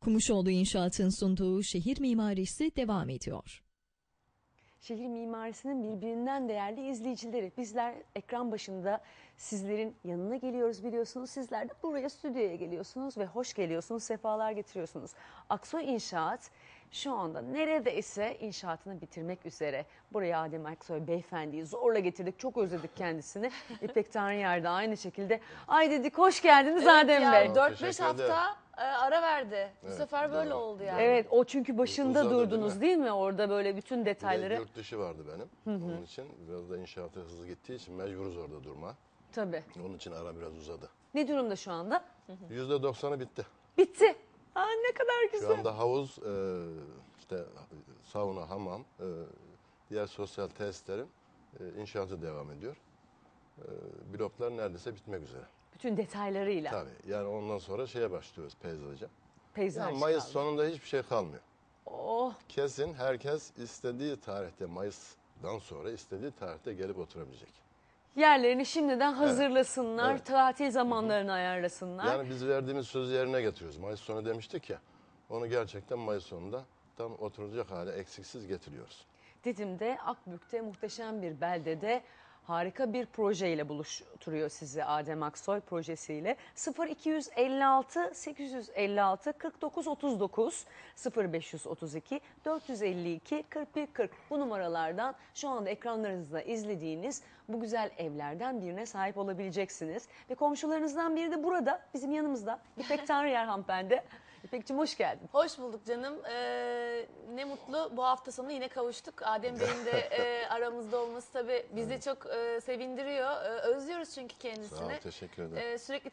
Kumuşoğlu İnşaat'ın sunduğu şehir mimarisi devam ediyor. Şehir mimarisinin birbirinden değerli izleyicileri. Bizler ekran başında sizlerin yanına geliyoruz biliyorsunuz. Sizler de buraya stüdyoya geliyorsunuz ve hoş geliyorsunuz, sefalar getiriyorsunuz. Aksoy İnşaat şu anda neredeyse inşaatını bitirmek üzere. Buraya Adem Aksoy beyefendiyi zorla getirdik. Çok özledik kendisini. İpek Tanrıyer de aynı şekilde. Ay dedik hoş geldiniz evet Adem ya, Bey. 4-5 hafta ara verdi. Bu sefer böyle oldu yani. Evet o çünkü başında Uzadı, durdunuz değil mi? Orada böyle bütün detayları. Bir de yurt dışı vardı benim. Onun için biraz da inşaatı hızlı gittiği için mecburuz orada durma. Tabii. Onun için ara biraz uzadı. Ne durumda şu anda? %90'ı bitti. Bitti. Aa, ne kadar güzel. Şu anda havuz, işte sauna, hamam, diğer sosyal tesislerin inşaatı devam ediyor. Bloklar neredeyse bitmek üzere. Bütün detaylarıyla. Tabii. Yani ondan sonra şeye başlıyoruz peyzaja. Peyzaj Yani Mayıs kaldı. sonunda hiçbir şey kalmıyor. Oh. Kesin herkes istediği tarihte, Mayıs'dan sonra istediği tarihte gelip oturabilecek. Yerlerini şimdiden hazırlasınlar, Evet. tatil zamanlarını ayarlasınlar. Yani biz verdiğimiz sözü yerine getiriyoruz. Mayıs sonu demiştik ya, onu gerçekten Mayıs sonunda tam oturacak hale eksiksiz getiriyoruz. Didim'de, Akbük'te muhteşem bir beldede harika bir projeyle buluşturuyor sizi Adem Aksoy projesiyle. 0256 856 49 39 0532 452 41 40 bu numaralardan şu anda ekranlarınızda izlediğiniz bu güzel evlerden birine sahip olabileceksiniz. Ve komşularınızdan biri de burada bizim yanımızda İpek Tanrıyer hanımefendi. İpek'cim hoş geldin. Hoş bulduk canım. Ne mutlu bu hafta sonu yine kavuştuk. Adem Bey'in de aramızda olması tabii bizi çok sevindiriyor. Özlüyoruz çünkü kendisini. Sağ ol, teşekkür ederim. Sürekli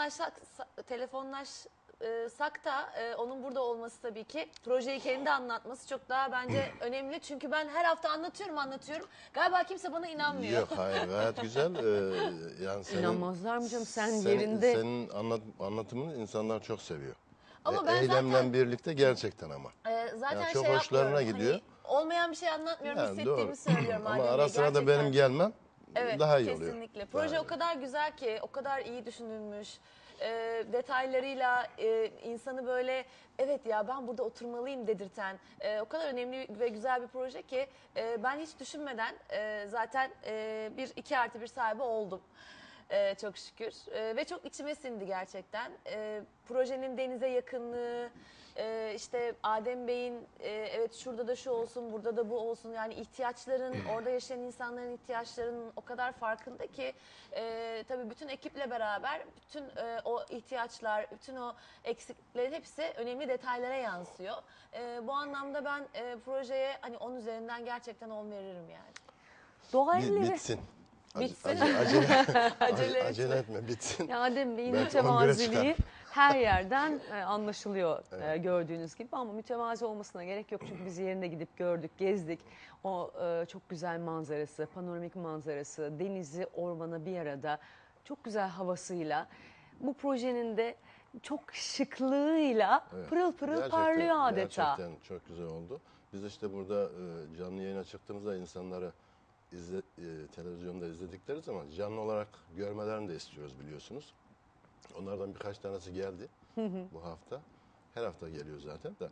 telefonlaşsak da onun burada olması tabii ki projeyi kendi anlatması çok daha bence önemli. Çünkü ben her hafta anlatıyorum. Galiba kimse bana inanmıyor. Yok hayır gayet güzel. Yani İnanmazlar mı canım sen yerinde. Senin anlatımını insanlar çok seviyor. Ama ben eylemle zaten birlikte gerçekten ama. zaten Yani çok şey hoşlarına yapmıyorum. gidiyor. Hani olmayan bir şey anlatmıyorum, Yani hissettiğimi doğru. söylüyorum. Ama Adem Bey, ara sıra da gerçekten. benim gelmem Evet, daha iyi oluyor. kesinlikle. Proje Daha o kadar güzel ki, o kadar iyi düşünülmüş. Detaylarıyla insanı böyle evet ya ben burada oturmalıyım dedirten o kadar önemli ve güzel bir proje ki ben hiç düşünmeden zaten bir 2+1 sahibi oldum. Çok şükür ve çok içime sindi gerçekten. Projenin denize yakınlığı, işte Adem Bey'in evet şurada da şu olsun, burada da bu olsun. Yani ihtiyaçların, orada yaşayan insanların ihtiyaçlarının o kadar farkında ki tabii bütün ekiple beraber bütün o ihtiyaçlar, bütün o eksikliklerin hepsi önemli detaylara yansıyor. Bu anlamda ben projeye hani 10 üzerinden gerçekten 10 veririm yani. Doğa elleri. Bitsin. Bitsin. Acele etme bitsin. Ya Adem Bey'in Belki 11'e mütevaziliği çıkar. her yerden anlaşılıyor gördüğünüz gibi ama mütevazi olmasına gerek yok çünkü biz yerine gidip gördük, gezdik. O çok güzel manzarası, panoramik manzarası, denizi, ormanı bir arada çok güzel havasıyla bu projenin de çok şıklığıyla Evet. pırıl pırıl Gerçekten- parlıyor adeta. Gerçekten çok güzel oldu. Biz işte burada canlı yayına çıktığımızda insanları televizyonda izledikleri zaman canlı olarak görmelerini de istiyoruz biliyorsunuz. Onlardan birkaç tanesi geldi bu hafta. Her hafta geliyor zaten de.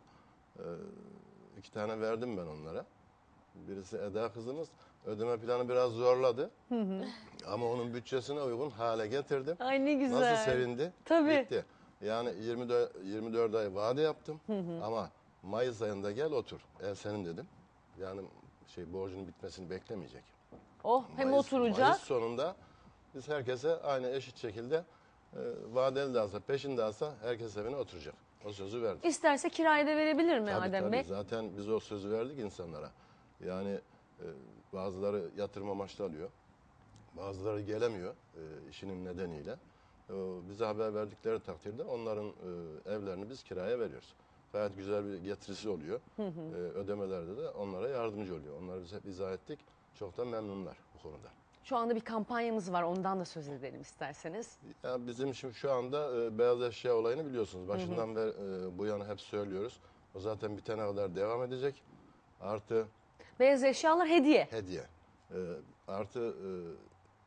2 tane verdim ben onlara. Birisi Eda kızımız ödeme planı biraz zorladı. Ama onun bütçesine uygun hale getirdim. Ay ne güzel. Nasıl sevindi? Tabii. Gitti. Yani 24 ay vade yaptım ama Mayıs ayında gel otur. Senin dedim. Yani borcunun bitmesini beklemeyecek. Oh hem Mayıs oturacak. sonunda biz herkese aynı eşit şekilde vadeli de alsa peşin de alsa herkes evine oturacak. O sözü verdik. İsterse kirayı da verebilir mi Tabii, Adem tabii. Bey? Zaten biz o sözü verdik insanlara. Yani bazıları yatırım amaçlı alıyor. Bazıları gelemiyor işinin nedeniyle. Bize haber verdikleri takdirde onların evlerini biz kiraya veriyoruz. Gayet güzel bir getirisi oluyor. Ödemelerde de onlara yardımcı oluyor. Onları biz hep izah ettik. Çok da memnunlar bu konuda. Şu anda bir kampanyamız var ondan da söz edelim isterseniz. Yani bizim şimdi şu anda beyaz eşya olayını biliyorsunuz. Başından beri bu yana hep söylüyoruz. O zaten bitene kadar devam edecek. Artı Beyaz eşyalar hediye. hediye. Artı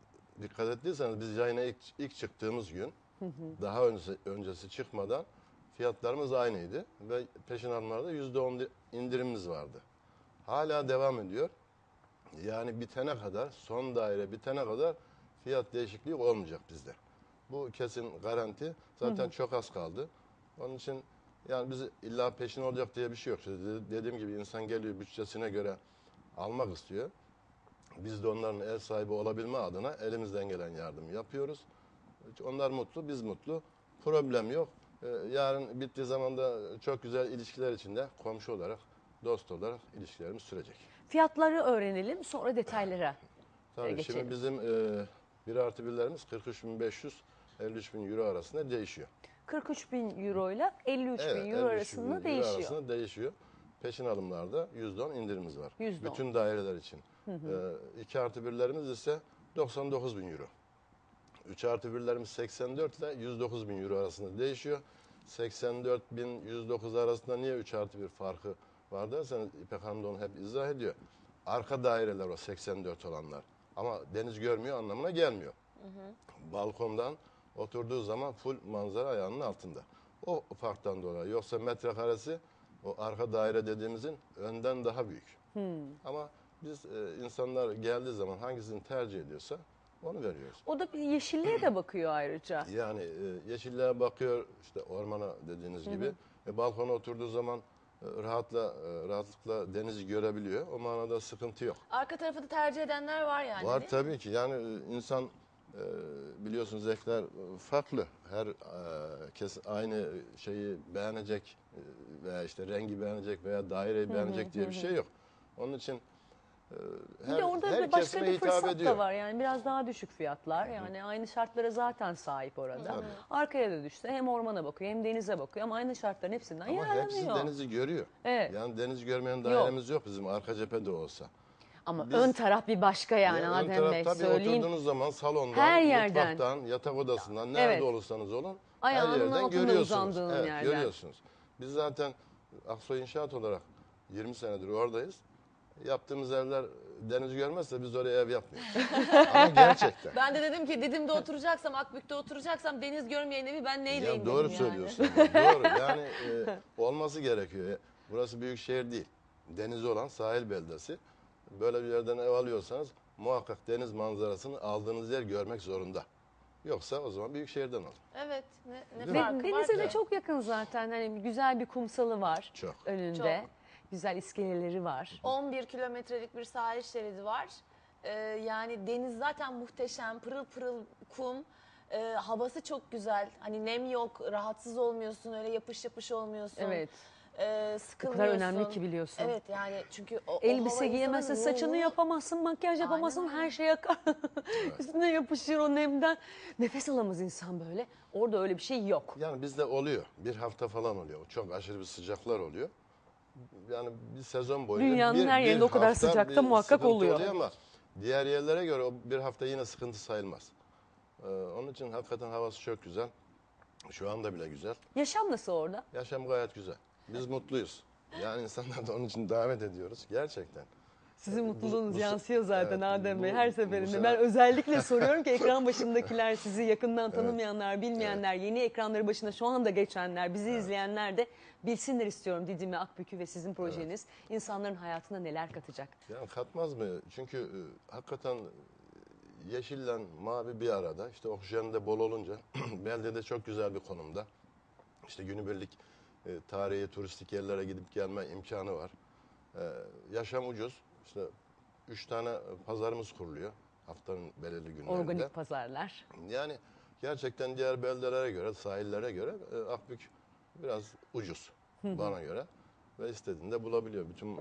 dikkat ettiyseniz biz yayına ilk çıktığımız gün daha öncesi çıkmadan fiyatlarımız aynıydı ve peşin alımlarda %10 indirimimiz vardı. Hala devam ediyor. Yani bitene kadar, son daire bitene kadar fiyat değişikliği olmayacak bizde. Bu kesin garanti. Zaten çok az kaldı. Onun için yani biz illa peşin olacak diye bir şey yok. Dediğim gibi insan geliyor bütçesine göre almak istiyor. Biz de onların ev sahibi olabilme adına elimizden gelen yardımı yapıyoruz. Onlar mutlu, biz mutlu. Problem yok. Yarın bittiği zaman da çok güzel ilişkiler içinde komşu olarak, dost olarak ilişkilerimiz sürecek. Fiyatları öğrenelim, sonra detaylara Tabii geçelim. şimdi bizim 1+1'lerimiz 43.500 53.000 euro arasında değişiyor. 43.000 euro ile 53.000 euro arasında değişiyor. Arasında değişiyor. Peşin alımlarda %10 indirimimiz var. %10. Bütün daireler için. 2+1'lerimiz ise 99.000 euro. 3+1'lerimiz 84 ile 109.000 euro arasında değişiyor. 84.000 109 arasında niye 3+1 farkı var derseniz İpek Hanım da onu hep izah ediyor. Arka daireler o 84 olanlar. Ama deniz görmüyor anlamına gelmiyor. Balkondan oturduğu zaman full manzara ayağının altında. O farktan dolayı. Yoksa metrekaresi o arka daire dediğimizin önden daha büyük. Ama biz insanlar geldiği zaman hangisini tercih ediyorsa onu veriyoruz. O da bir yeşilliğe de bakıyor ayrıca. Yani yeşilliğe bakıyor, işte ormana dediğiniz gibi. Balkona oturduğu zaman rahatlıkla denizi görebiliyor. O manada sıkıntı yok. Arka tarafı da tercih edenler var yani. Var değil mi? tabii ki. Yani insan biliyorsunuz zevkler farklı. Her kesin aynı şeyi beğenecek veya işte rengi beğenecek veya daireyi beğenecek diye bir şey yok. Onun için Bir de orada her başka kesime bir hitap fırsat ediyor. da var. Yani biraz daha düşük fiyatlar. Yani aynı şartlara zaten sahip orada. Tabii. Arkaya da düşse hem ormana bakıyor hem denize bakıyor ama aynı şartların hepsinden Ama hepsi yararlanıyor. denizi görüyor. Evet. Yani deniz görmeyen dairemiz yok bizim arka cephede olsa. Ama Biz- ön taraf bir başka yani Ya ön Adem taraf Bey tabii söyleyeyim. oturduğunuz zaman salondan, Her yerden. mutfaktan, yatak odasından nerede Evet. olursanız olun Ayağının her yerden altında görüyorsunuz. uzandığın Evet, yerden. görüyorsunuz. Biz zaten Aksoy İnşaat olarak 20 senedir oradayız. Yaptığımız evler deniz görmezse biz oraya ev yapmıyoruz. Ama gerçekten. Ben de dedim ki Didim'de oturacaksam, Akbük'te oturacaksam deniz görmeyen evi ben neyleyim Ya doğru dedim yani. söylüyorsun. Doğru. Yani olması gerekiyor. Burası büyük şehir değil. Denizi olan sahil beldesi. Böyle bir yerden ev alıyorsanız muhakkak deniz manzarasını aldığınız yer görmek zorunda. Yoksa o zaman büyük şehirden alın. Evet. Ne Değil Ve farkı var denize de ki? çok yakın zaten. Hani güzel bir kumsalı var Çok. önünde. Çok. Güzel iskeleleri var. 11 kilometrelik bir sahil şeridi var. Yani deniz zaten muhteşem, pırıl pırıl kum. Havası çok güzel. Hani nem yok, rahatsız olmuyorsun, öyle yapış yapış olmuyorsun. Evet. O Sıkılmıyorsun. kadar önemli ki biliyorsun. Evet yani çünkü o Elbise hava giyemezsin, insanın saçını ruhunu- yapamazsın, makyaj yapamazsın, Aynen öyle. her şey akar. Üstüne yapışır o nemden. Nefes alamaz insan böyle. Orada öyle bir şey yok. Yani bizde oluyor. Bir hafta falan oluyor. Çok aşırı bir sıcaklar oluyor. Yani bir sezon boyunca Dünyanın her yerinde o kadar hafta sıcakta bir muhakkak sıkıntı oluyor. Ama diğer yerlere göre o bir hafta yine sıkıntı sayılmaz. Onun için hakikaten havası çok güzel. Şu anda bile güzel. Yaşam nasıl orada? Yaşam gayet güzel. Biz mutluyuz. Yani insanlar da onun için davet ediyoruz. Gerçekten. Sizin mutluluğunuz bu- yansıyor zaten evet, Adem bu- Bey her bu seferinde. sene- Ben özellikle soruyorum ki ekran başındakiler, sizi yakından tanımayanlar, bilmeyenler, yeni ekranları başında şu anda geçenler, bizi izleyenler de bilsinler istiyorum Didim'le Akbükü ve sizin projeniz. İnsanların hayatına neler katacak? Yani katmaz mı? Çünkü hakikaten yeşille mavi bir arada. İşte oksijen de bol olunca beldede çok güzel bir konumda. İşte günübirlik tarihi turistik yerlere gidip gelme imkanı var. Yaşam ucuz. İşte 3 tane pazarımız kuruluyor haftanın belirli günlerinde. Organik pazarlar. Yani gerçekten diğer beldelere göre, sahillere göre Akbük biraz ucuz bana göre. Ve istediğinde bulabiliyor. Bütün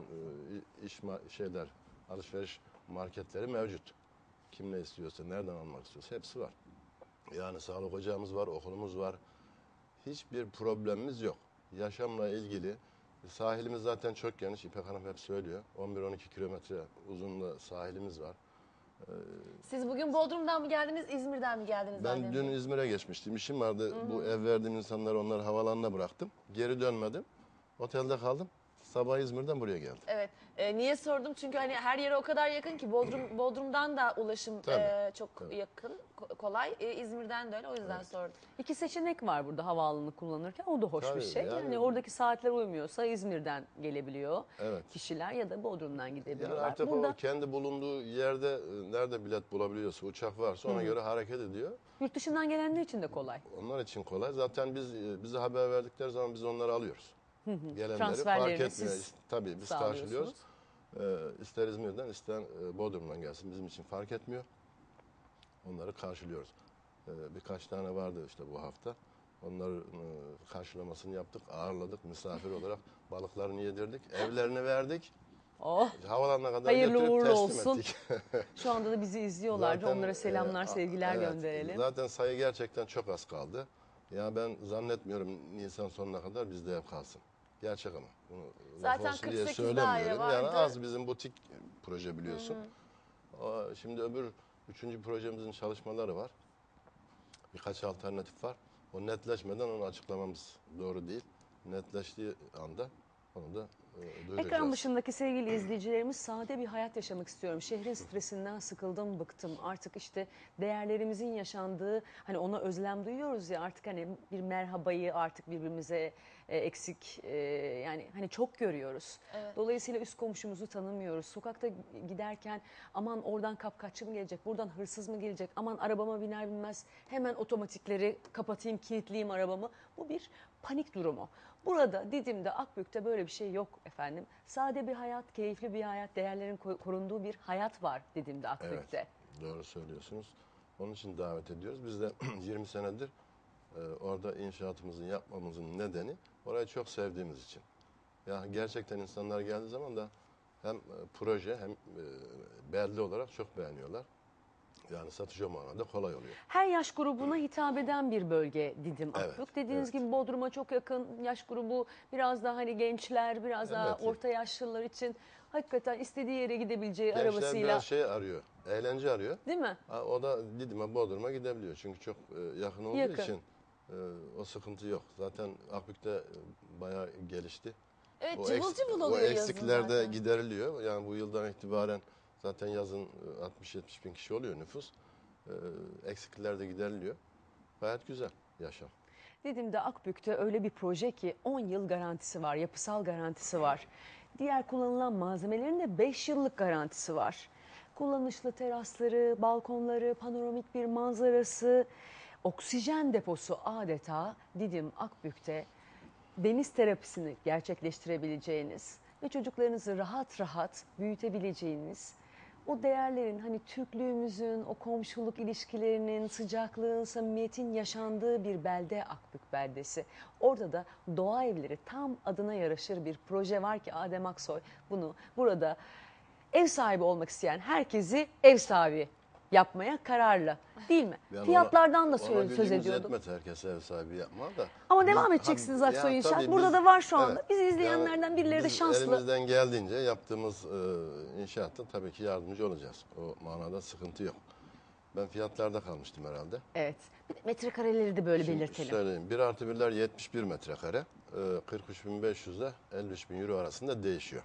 alışveriş marketleri mevcut. Kim ne istiyorsa, nereden almak istiyorsa hepsi var. Yani sağlık ocağımız var, okulumuz var. Hiçbir problemimiz yok. Yaşamla ilgili sahilimiz zaten çok geniş. İpek Hanım hep söylüyor. 11-12 kilometre uzunluğunda sahilimiz var. Siz bugün Bodrum'dan mı geldiniz, İzmir'den mi geldiniz? Ben Adem dün Bey? İzmir'e geçmiştim. İşim vardı. Bu ev verdiğim insanları onları havalanına bıraktım. Geri dönmedim. Otelde kaldım. Sabah İzmir'den buraya geldim. Evet. Niye sordum? Çünkü hani her yere o kadar yakın ki Bodrum'dan da ulaşım Tabii, çok tabii. yakın, kolay. İzmir'den de öyle. O yüzden sordum. İki seçenek var burada havaalanını kullanırken. O da hoş bir Tabii, şey. Yani, yani- oradaki saatler uymuyorsa İzmir'den gelebiliyor Evet. kişiler ya da Bodrum'dan gidebiliyorlar. Yani artık Burada o kendi bulunduğu yerde nerede bilet bulabiliyorsa, uçak varsa ona göre hareket ediyor. yurt dışından gelenler için de kolay. Onlar için kolay. Zaten bize haber verdikleri zaman biz onları alıyoruz. Gelenleri fark Transferlerini etmiyor. siz Tabii biz sağlıyorsunuz. karşılıyoruz. İster İzmir'den ister Bodrum'dan gelsin bizim için fark etmiyor. Onları karşılıyoruz. Birkaç tane vardı işte bu hafta. Onları karşılamasını yaptık, ağırladık misafir olarak. Balıklarını yedirdik, evlerini verdik. Oh, Havalanına kadar hayırlı götürüp uğurlu teslim olsun. ettik. Şu anda da bizi izliyorlardı. Zaten, Onlara selamlar, sevgiler evet, gönderelim. Zaten sayı gerçekten çok az kaldı. Ya ben zannetmiyorum Nisan sonuna kadar bizde ev kalsın. Gerçek ama. Bunu laf Zaten olsun diye 48 söylemiyorum. daire Yani vardı. az bizim butik proje biliyorsun. Şimdi üçüncü projemizin çalışmaları var. Birkaç alternatif var. O netleşmeden onu açıklamamız doğru değil. Netleştiği anda onu da duyuracağız. Ekran başındaki sevgili izleyicilerimiz, sade bir hayat yaşamak istiyorum. Şehrin stresinden sıkıldım, bıktım. Artık işte değerlerimizin yaşandığı, hani ona özlem duyuyoruz ya, artık hani bir merhabayı artık birbirimize eksik yani hani çok görüyoruz. Evet. Dolayısıyla üst komşumuzu tanımıyoruz. Sokakta giderken aman oradan kapkaççı mı gelecek, buradan hırsız mı gelecek, aman arabama biner binmez hemen otomatikleri kapatayım, kilitleyeyim arabamı. Bu bir panik durumu. Burada Didim'de, Akbük'te böyle bir şey yok efendim. Sade bir hayat, keyifli bir hayat, değerlerin korunduğu bir hayat var Didim'de, Akbük'te. Evet, doğru söylüyorsunuz. Onun için davet ediyoruz. Biz de 20 senedir orada inşaatımızın yapmamızın nedeni orayı çok sevdiğimiz için. Ya gerçekten insanlar geldiği zaman da hem proje hem belde olarak çok beğeniyorlar. Yani satış o manada kolay oluyor. Her yaş grubuna hitap eden bir bölge Didim, Evet, Akbük. Dediğiniz evet. gibi Bodrum'a çok yakın yaş grubu, biraz daha hani gençler, biraz daha Evet. orta yaşlılar için hakikaten istediği yere gidebileceği Gençler arabasıyla, biraz şey arıyor, eğlence arıyor. değil mi? O da Didim'e, Bodrum'a gidebiliyor. Çünkü çok yakın olduğu Yakın. için o sıkıntı yok. Zaten Akbük'te bayağı gelişti. Evet, O cıvıl cıvıl o oluyor yazın eksikler de zaten. gideriliyor. Yani bu yıldan itibaren zaten yazın 60-70 bin kişi oluyor nüfus. Eksikler de gideriliyor. Gayet güzel yaşam. Didim'de, Akbük'te öyle bir proje ki 10 yıl garantisi var, yapısal garantisi var. Diğer kullanılan malzemelerin de 5 yıllık garantisi var. Kullanışlı terasları, balkonları, panoramik bir manzarası, oksijen deposu adeta Didim, Akbük'te deniz terapisini gerçekleştirebileceğiniz ve çocuklarınızı rahat rahat büyütebileceğiniz, o değerlerin, hani Türklüğümüzün, o komşuluk ilişkilerinin, sıcaklığın, samimiyetin yaşandığı bir belde Akbük beldesi. Orada da doğa evleri, tam adına yaraşır bir proje var ki Adem Aksoy bunu burada ev sahibi olmak isteyen herkesi ev sahibi yapmaya kararlı, değil mi? Yani Fiyatlardan da ona söz gücümüz ediyordum. yetmez herkese ev sahibi yapma da. Ama Biz- devam edeceksiniz Ha, Aksoy ya İnşaat. tabii Burada biz- da var şu anda. evet. Bizi izleyenlerden birileri de biz şanslı. elimizden geldiğince yaptığımız inşaatta tabii ki yardımcı olacağız. O manada sıkıntı yok. Ben fiyatlarda kalmıştım herhalde. Evet. Bir de metrekareleri de böyle Şimdi belirtelim. söyleyeyim. 1 artı 1'ler 71 metrekare. 43.500 ile 53.000 euro arasında değişiyor.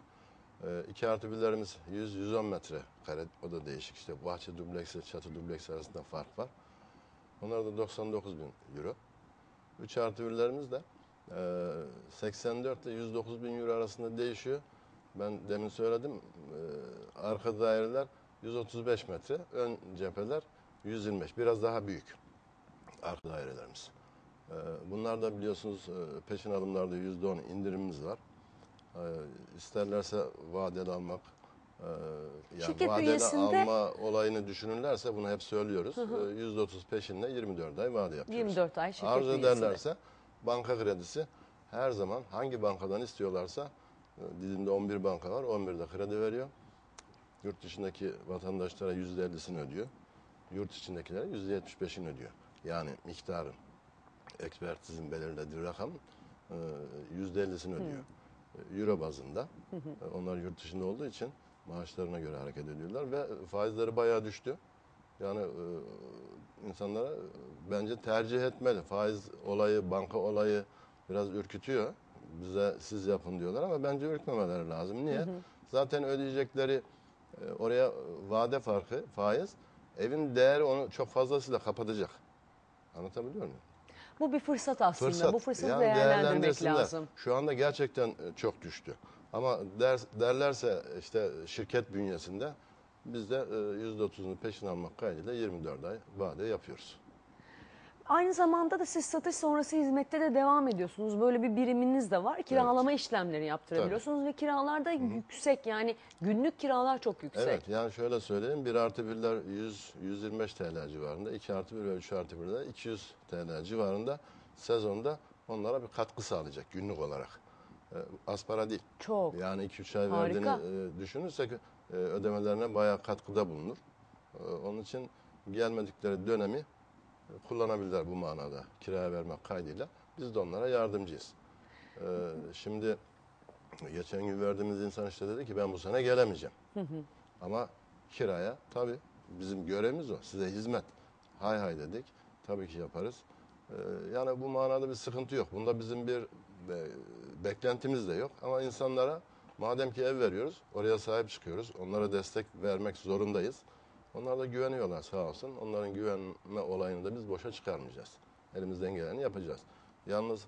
2 artı 1'lerimiz 100-110 metrekare. O da değişik. İşte bahçe dubleks ile çatı dubleks arasında fark var. Onlar da 99.000 euro. 3 artı 1'lerimiz de 84 ile 109.000 euro arasında değişiyor. Ben demin söyledim. Arka daireler 135 metre. Ön cepheler 125. Biraz daha büyük arka dairelerimiz. Bunlar da biliyorsunuz peşin alımlarda %10 indirimimiz var. İsterlerse vadeli almak, yani Şirket vadeli bünyesinde- alma olayını düşünürlerse bunu hep söylüyoruz. %30 peşinle 24 ay vade yapıyoruz. 24 ay şirket Arzu bünyesinde. ederlerse banka kredisi her zaman hangi bankadan istiyorlarsa, Didim'de 11 banka var, 11'de kredi veriyor. Yurt dışındaki vatandaşlara %50'sini ödüyor. Yurt içindekilere %75'ini ödüyor. Yani miktarın, ekspertizin belirlediği rakam %50'sini ödüyor. Euro bazında. Onlar yurt dışında olduğu için maaşlarına göre hareket ediyorlar ve faizleri bayağı düştü. Yani insanlara bence tercih etmeli. Faiz olayı, banka olayı biraz ürkütüyor bize siz yapın diyorlar ama bence ürkmemeleri lazım. Niye? Zaten ödeyecekleri oraya vade farkı, faiz, evin değeri onu çok fazlasıyla kapatacak. Anlatabiliyor muyum? Bu bir fırsat aslında. Fırsat. Bu fırsatı Yani değerlendirmek değerlendirsinler. lazım. Şu anda gerçekten çok düştü. Ama derlerse işte şirket bünyesinde biz de %30'unu peşin almak kaydıyla 24 ay vade yapıyoruz. Aynı zamanda da siz satış sonrası hizmette de devam ediyorsunuz. Böyle bir biriminiz de var. Kiralama işlemleri yaptırabiliyorsunuz ve kiralar da yüksek. Yani günlük kiralar çok yüksek. Evet, yani şöyle söyleyeyim, 1+1'ler 100-125 TL civarında, 2+1 ve 3+1'ler 200 TL civarında sezonda onlara bir katkı sağlayacak günlük olarak. Az para değil. Çok. Yani 2-3 ay Harika. verdiğini düşünürsek ödemelerine bayağı katkıda bulunur. Onun için gelmedikleri dönemi kullanabilirler bu manada kiraya vermek kaydıyla. Biz de onlara yardımcıyız. Şimdi geçen gün verdiğimiz insan işte dedi ki ben bu sene gelemeyeceğim. Ama kiraya tabii bizim görevimiz o. Size hizmet. Hay hay dedik. Tabii ki yaparız. Yani bu manada bir sıkıntı yok. Bunda bizim bir beklentimiz de yok. Ama insanlara madem ki ev veriyoruz, oraya sahip çıkıyoruz. Onlara destek vermek zorundayız. Onlar da güveniyorlar sağ olsun. Onların güvenme olayını da biz boşa çıkarmayacağız. Elimizden geleni yapacağız. Yalnız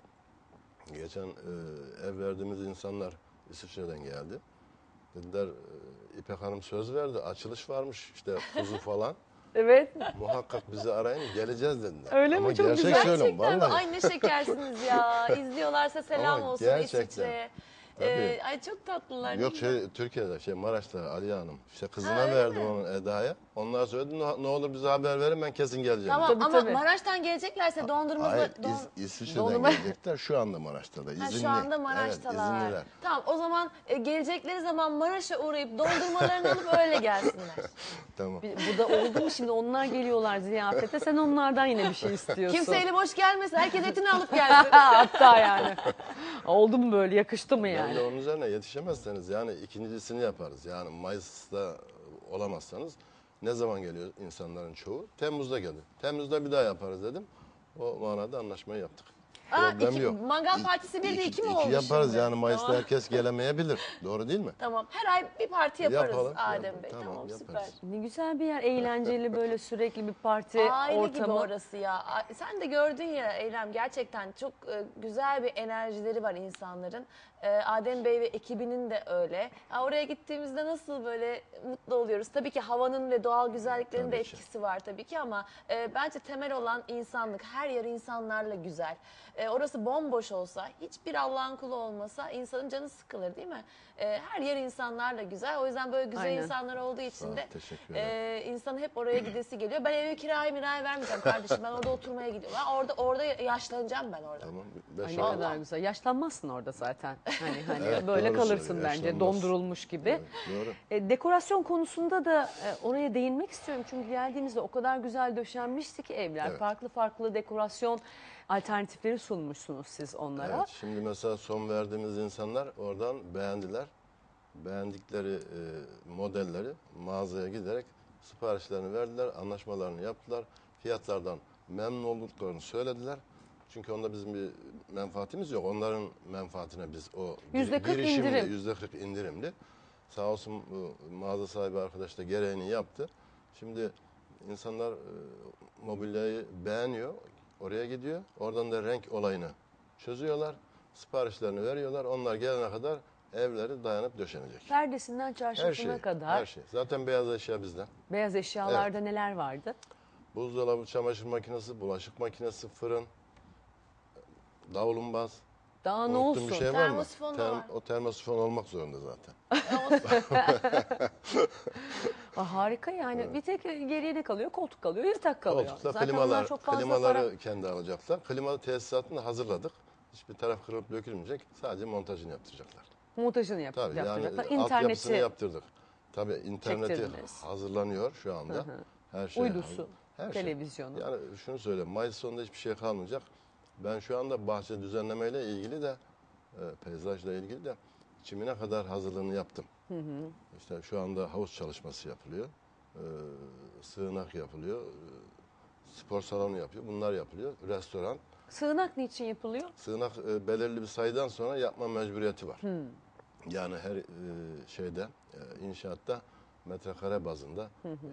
geçen ev verdiğimiz insanlar İsviçre'den geldi. Dediler İpek Hanım söz verdi. Açılış varmış işte kuzu falan. Evet. Muhakkak bizi arayın geleceğiz dediler. Öyle mi? Ama Çok gerçek güzel. söylüyorum Gerçekten mi? vallahi. Ay ne şekersiniz ya. İzliyorlarsa selam Ama olsun gerçekten. İsviçre'ye. Tabii. Ay çok tatlılar. Yok Türkiye'de Maraş'ta Aliye Hanım. İşte kızına öyle verdim mi? onun Eda'ya. Onlar söyledi ne olur bize haber verin ben kesin geleceğim. Tamam Tabii, ama tabii. Maraş'tan geleceklerse dondurma... Hayır, İsviçre'den Dondurma- gelecekler. Şu anda Maraş'ta da. İzinli. Şu anda Maraş'talar. Evet, izinliler. Tamam o zaman gelecekleri zaman Maraş'a uğrayıp dondurmalarını alıp öyle gelsinler. Tamam. Bu da oldu mu şimdi onlar geliyorlar ziyafete sen onlardan yine bir şey istiyorsun. Kimse eli boş gelmesin. Herkes etini alıp gelsin. Hatta yani. Oldu mu böyle yakıştı mı Yani yani? onun üzerine yetişemezseniz yani ikincisini yaparız. Yani Mayıs'ta olamazsanız ne zaman geliyor insanların çoğu? Temmuz'da gelir. Temmuz'da bir daha yaparız dedim. O manada anlaşmayı yaptık. Problem yok. Mangal partisi bir de iki mi oldu İki yaparız şimdi? yani Mayıs'ta Tamam. herkes gelemeyebilir. Doğru değil mi? Tamam. Her ay bir parti yaparız Yapalım, Adem yapalım. Bey. Tamam, Tamam, yaparız. süper. Ne güzel bir yer, eğlenceli böyle sürekli bir parti Aile gibi ortamı. orası ya. Sen de gördün ya Eylem, gerçekten çok güzel bir enerjileri var insanların. Adem Bey ve ekibinin de öyle. Oraya gittiğimizde nasıl böyle mutlu oluyoruz. Tabii ki havanın ve doğal güzelliklerin de Tabii ki. etkisi var tabii ki ama bence temel olan insanlık. Her yer insanlarla güzel. Orası bomboş olsa, hiçbir Allah'ın kulu olmasa insanın canı sıkılır değil mi? Her yer insanlarla güzel. O yüzden böyle güzel Aynen. insanlar olduğu için Sağ ol, de teşekkür ederim. insan hep oraya gidesi geliyor. Ben evi kiraya vermeyeceğim kardeşim. Ben orada oturmaya gidiyorum. Ben orada yaşlanacağım ben orada. Tamam. Ay Beş ne ay- kadar güzel. Yaşlanmazsın orada zaten. Hani Evet, böyle doğru kalırsın söylüyor, bence yaşlanmaz. dondurulmuş gibi. Evet, doğru. Dekorasyon konusunda da oraya değinmek istiyorum. Çünkü geldiğimizde o kadar güzel döşenmişti ki evler. Evet. Farklı farklı dekorasyon alternatifleri sunmuşsunuz siz onlara. Evet, şimdi mesela son verdiğimiz insanlar oradan beğendiler. Beğendikleri modelleri mağazaya giderek siparişlerini verdiler, anlaşmalarını yaptılar. Fiyatlardan memnun olduklarını söylediler. Çünkü onda bizim bir menfaatimiz yok. Onların menfaatine biz o %40 girişimle, indirim. %40 indirimli. Sağ olsun bu mağaza sahibi arkadaş da gereğini yaptı. Şimdi insanlar mobilyayı beğeniyor, oraya gidiyor. Oradan da renk olayını çözüyorlar. Siparişlerini veriyorlar. Onlar gelene kadar evleri dayanıp döşenecek. Perdesinden Her çarşafına şey, kadar her şey. Zaten beyaz eşya bizden. beyaz eşyalarda neler vardı? Buzdolabı, çamaşır makinesi, bulaşık makinesi, fırın, davlumbaz. Daha ne Unuttuğum olsun? bir şey var mı? Termosifon da var. O termosifon olmak zorunda zaten. Harika yani. Bir tek geriye ne kalıyor? Koltuk kalıyor, yatak kalıyor. Koltukla Zaten onlar çok fazla klimaları para. kendi alacaklar. Klima tesisatını hazırladık. Hiçbir taraf kırılıp dökülmeyecek. Sadece montajını yaptıracaklar. Montajını Tabii yani yaptıracaklar. altyapısını İnterneti yaptırdık. Tabii interneti çektirdiniz. hazırlanıyor şu anda. Her şey Uydusu, hazır. Her şey. televizyonu. Yani şunu söyleyeyim, Mayıs sonunda hiçbir şey kalmayacak. Ben şu anda bahçe düzenlemeyle ilgili de, peyzajla ilgili de çimine kadar hazırlığını yaptım. İşte şu anda havuz çalışması yapılıyor. Sığınak yapılıyor. Spor salonu yapıyor. Bunlar yapılıyor. Restoran. Sığınak niçin yapılıyor? Sığınak belirli bir sayıdan sonra yapma mecburiyeti var. Yani her inşaatta metrekare bazında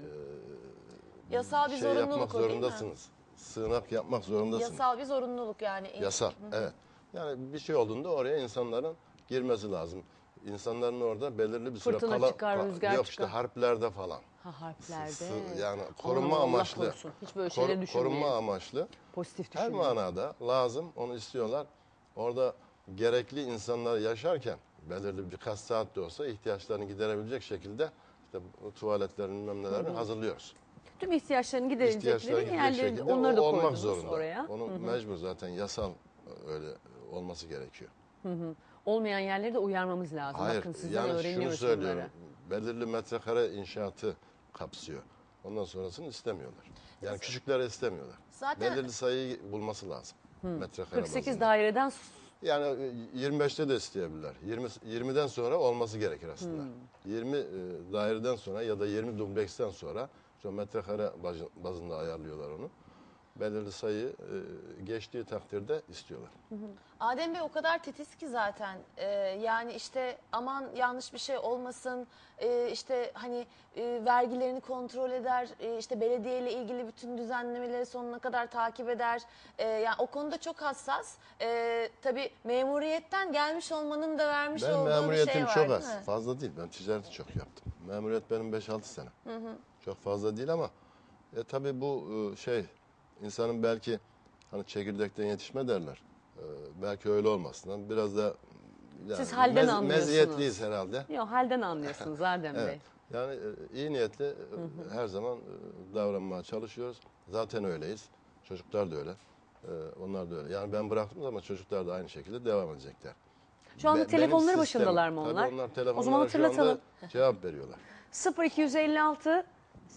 Yasal bir şey zorunluluk yapmak o, değil mi? zorundasınız. Sığınak yapmak zorundasınız. Yasal bir zorunluluk yani. Yasal, evet. Yani bir şey olduğunda oraya insanların girmesi lazım. İnsanların orada belirli bir süre Fırtına çıkar, rüzgar yok çıkar. işte harplerde falan. Ha, harflerde. Yani Aman korunma Allah amaçlı. korusun. Hiç böyle şeyleri düşünmeyin. Korunma amaçlı. Pozitif Her düşünmeyin. manada lazım, onu istiyorlar. Orada gerekli insanlar yaşarken belirli birkaç saat de olsa ihtiyaçlarını giderebilecek şekilde işte bu tuvaletlerin bilmem nelerini hazırlıyoruz. Tüm ihtiyaçlarını İhtiyaçlarını giderilecekleri gidecek yerlerini şekilde onları da o olmak koydunuz zorunda. oraya. Onun mecbur zaten yasal öyle olması gerekiyor. Olmayan yerleri de uyarmamız lazım. Hayır, Bakın sizden yani şunu öğreniyoruz söylüyorum. bunları. Belirli metrekare inşaatı kapsıyor. Ondan sonrasını istemiyorlar. Yani küçükleri istemiyorlar. Zaten- Belirli sayıyı bulması lazım. Metrekare 48 bazında. daireden Yani 25'te de isteyebilirler. 20'den sonra olması gerekir aslında. 20 daireden sonra ya da 20 dubleksten sonra işte metrekare bazında ayarlıyorlar onu. Belirli sayı geçtiği takdirde istiyorlar. Adem Bey o kadar titiz ki zaten. Yani işte aman yanlış bir şey olmasın, işte hani vergilerini kontrol eder, işte belediyeyle ilgili bütün düzenlemeleri sonuna kadar takip eder. Yani o konuda çok hassas. Tabii memuriyetten gelmiş olmanın da vermiş Ben olduğu bir memuriyetim şey var, çok değil az. mi? Fazla değil. Ben ticareti çok yaptım. Memuriyet benim 5-6 sene. Çok fazla değil ama tabii bu insanın belki hani çekirdekten yetişme derler. Belki öyle olmasından biraz da yani Siz halden anlıyorsunuz. meziyetliyiz herhalde. yok, halden anlıyorsunuz Adem Bey. Evet. Yani iyi niyetle her zaman davranmaya çalışıyoruz. Zaten öyleyiz. Çocuklar da öyle. Onlar da öyle. Yani ben bıraktım ama çocuklar da aynı şekilde devam edecekler. Şu anda Benim telefonları sistemim- başındalar mı onlar? Tabii onlar O telefonlara zaman şu anda hatırlatalım. cevap veriyorlar. 0256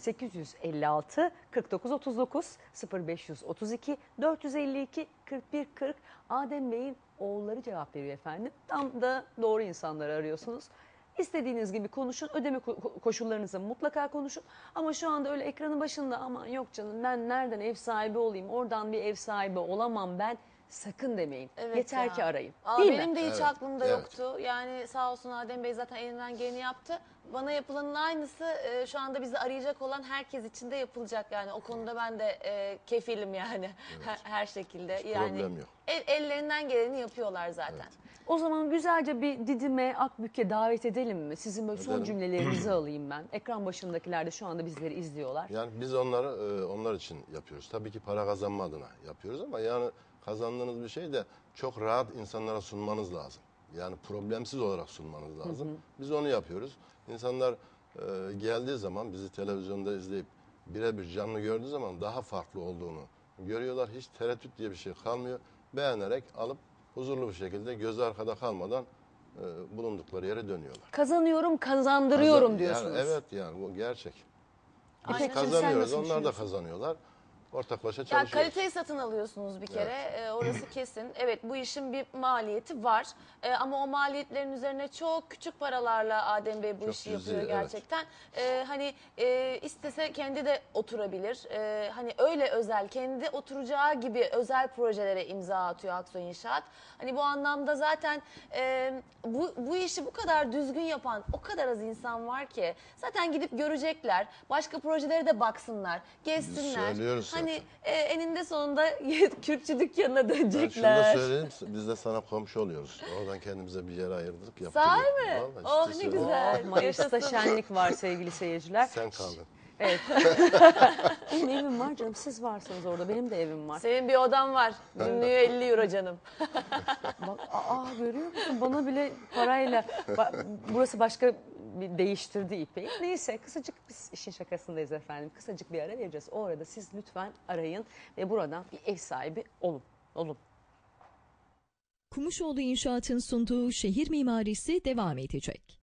856 4939 0532 452 41 40 Adem Bey'in oğulları cevap veriyor efendim. Tam da doğru insanları arıyorsunuz. İstediğiniz gibi konuşun. Ödeme koşullarınızı mutlaka konuşun. Ama şu anda öyle ekranın başında aman yok canım ben nereden ev sahibi olayım? Oradan bir ev sahibi olamam ben. Sakın demeyin. Evet Yeter ya. ki arayın. Aa, Değil benim mi? de hiç Evet, aklımda evet. yoktu. Yani sağ olsun Adem Bey zaten elinden geleni yaptı. Bana yapılanın aynısı şu anda bizi arayacak olan herkes için de yapılacak. Yani o konuda ben de kefilim yani her şekilde. Yani problem yok. ellerinden geleni yapıyorlar zaten. O zaman güzelce bir Didim'e, Akbük'e davet edelim mi? Sizin böyle son Edelim. cümlelerinizi alayım ben. Ekran başındakiler de şu anda bizleri izliyorlar. Yani biz onlar için yapıyoruz. Tabii ki para kazanma adına yapıyoruz ama yani kazandığınız bir şey de çok rahat insanlara sunmanız lazım. Yani problemsiz olarak sunmanız lazım. Biz onu yapıyoruz. İnsanlar geldiği zaman bizi televizyonda izleyip birebir canlı gördüğü zaman daha farklı olduğunu görüyorlar. Hiç tereddüt diye bir şey kalmıyor. Beğenerek alıp huzurlu bir şekilde gözü arkada kalmadan bulundukları yere dönüyorlar. Kazanıyorum, kazandırıyorum Yani diyorsunuz. evet yani bu gerçek. Biz Aynen. kazanıyoruz, Sen nasıl onlar da düşünüyorsun? kazanıyorlar. Ortaklaşa Ya çalışıyoruz. kaliteyi satın alıyorsunuz bir kere. Orası kesin. Evet bu işin bir maliyeti var. Ama o maliyetlerin üzerine çok küçük paralarla Adem Bey bu Çok işi cüzi, yapıyor evet. gerçekten. Hani istese kendi de oturabilir. Hani öyle özel, kendi oturacağı gibi özel projelere imza atıyor Aksoy İnşaat. Hani bu anlamda zaten bu işi bu kadar düzgün yapan o kadar az insan var ki zaten gidip görecekler. Başka projelere de baksınlar, gezsinler. söylüyoruz Hani eninde sonunda Kürkçü dükkanına Ben şunu da dönecekler. söyleyeyim, biz de sana komşu oluyoruz. Oradan kendimize bir yer ayırdık, yaptık. Sahi mi? Vallahi Oh, ciddi ne söylüyorum. güzel. Mayıs'ta şenlik var sevgili seyirciler. Sen kaldın. Evet. Benim evim var canım. Siz varsınız orada. Benim de evim var. Senin bir odan var. Günlüğü 50 euro canım. Bak, görüyor musun? Bana bile parayla. Burası başka bir değiştirdi ipeyi. Neyse kısacık biz işin şakasındayız efendim. Kısacık bir ara vereceğiz. O arada siz lütfen arayın ve buradan bir ev sahibi olun. Olun. Kumuşoğlu İnşaat'ın sunduğu şehir mimarisi devam edecek.